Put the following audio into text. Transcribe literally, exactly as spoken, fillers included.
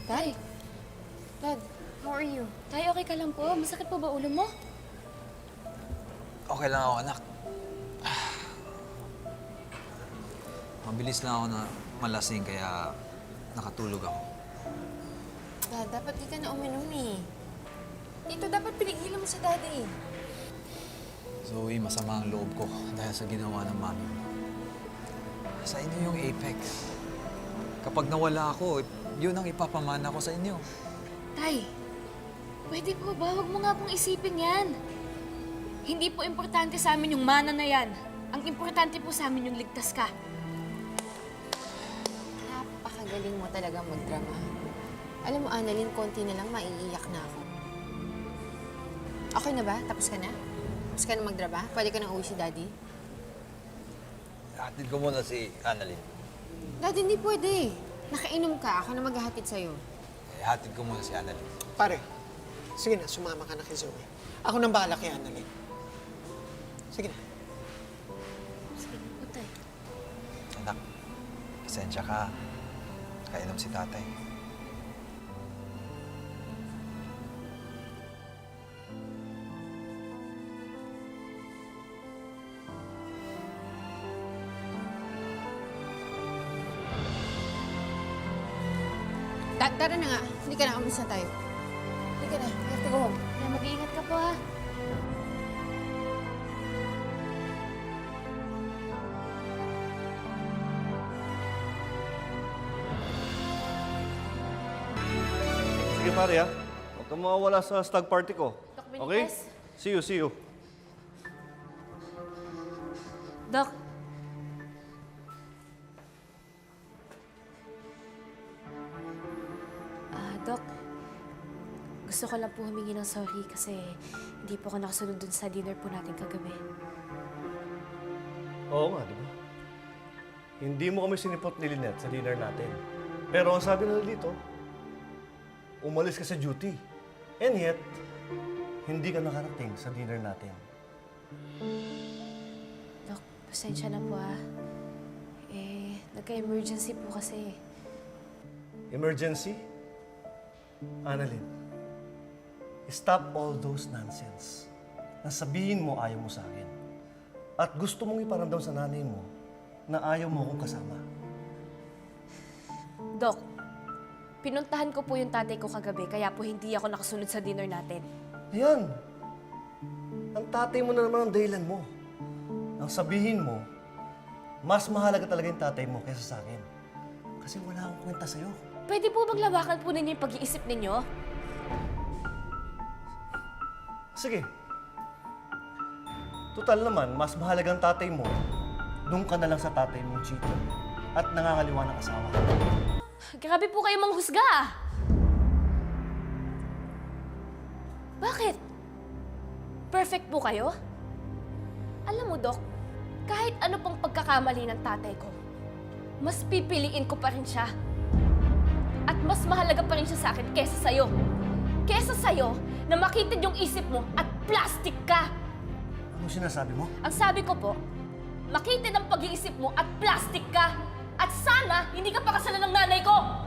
Tay? Dad, how are you? Tay, okay ka lang po? Masakit po ba ulo mo? Okay lang ako, anak. Mabilis lang ako na malasing kaya nakatulog ako. Dad, dapat di ka na uminom eh. Dito dapat pinigilan mo sa daddy. Zoe, masama ang loob ko dahil sa ginawa ng mami mo. Sa inyo yung Apex. Kapag nawala ako, yun ang ipapamana ko sa inyo. Tay, pwede po ba? Huwag mo nga pong isipin yan. Hindi po importante sa amin yung mana na yan. Ang importante po sa amin yung ligtas ka. Napakagaling mo talagang magdrama. Alam mo, Annalyn, konti na lang maiiyak na ako. Okay na ba? Tapos ka na? Tapos ka na magdrama? Pwede ka na uwi si daddy? Hatid ko muna si Annalyn. Daddy, hindi pwede. Nakainom ka. Ako na maghahatid sa'yo. Eh, hatid ko muna si Annalyn. Pare, sige na, sumama ka na kay Zoe. Ako nang bahala kay Annalyn. Sige na. Sige po, Tay. Anak, pasensya ka. Kainom si tatay. Da tara na nga. Hindi ka na. Umpisa tayo. Hindi ka na. We have to go home. Kaya mag-iingat ka po, ha? Sige pare ha, huwag kang mawawala sa stag party ko. Doc Okay? Benitez. See you, see you. Doc. Ah, Doc. Gusto ko lang po humingi ng sorry kasi hindi po ako nakasunod dun sa dinner po natin kagabi. Oo nga, di ba? Hindi mo kami sinipot ni Lynette sa dinner natin. Pero ang sabi nila dito, umalis ka sa duty. And yet, hindi ka nakarating sa dinner natin. Doc, pasensya na po ah. Eh, nagka-emergency po kasi. Emergency? Annalyn, stop all those nonsense. Na sabihin mo ayaw mo sa akin. At gusto mong iparamdam sa nanay mo na ayaw mo akong kasama. Doc, pinuntahan ko po yung tatay ko kagabi kaya po hindi ako nakasunod sa dinner natin. Ayan. Ang tatay mo na naman ang dahilan mo. Ang sabihin mo, mas mahalaga talaga yung tatay mo kaysa sa akin. Kasi wala akong kwenta sa'yo. Pwede po bang lawakan po ninyo yung pag-iisip ninyo? Sige. Total naman, mas mahalagang tatay mo, doon ka na lang sa tatay mong cheater at nangangaliwa ng asawa. Grabe po kayo manghusga ah! Bakit? Perfect po kayo? Alam mo, Dok, kahit ano pang pagkakamali ng tatay ko, mas pipiliin ko pa rin siya. At mas mahalaga pa rin siya sa akin kesa sa'yo. Kesa sa'yo na makitid yung isip mo at plastic ka. Ano sinasabi mo? Ang sabi ko po, makitid ang pag-iisip mo at plastic ka. At sana, hindi ka pakasalan ng nanay ko!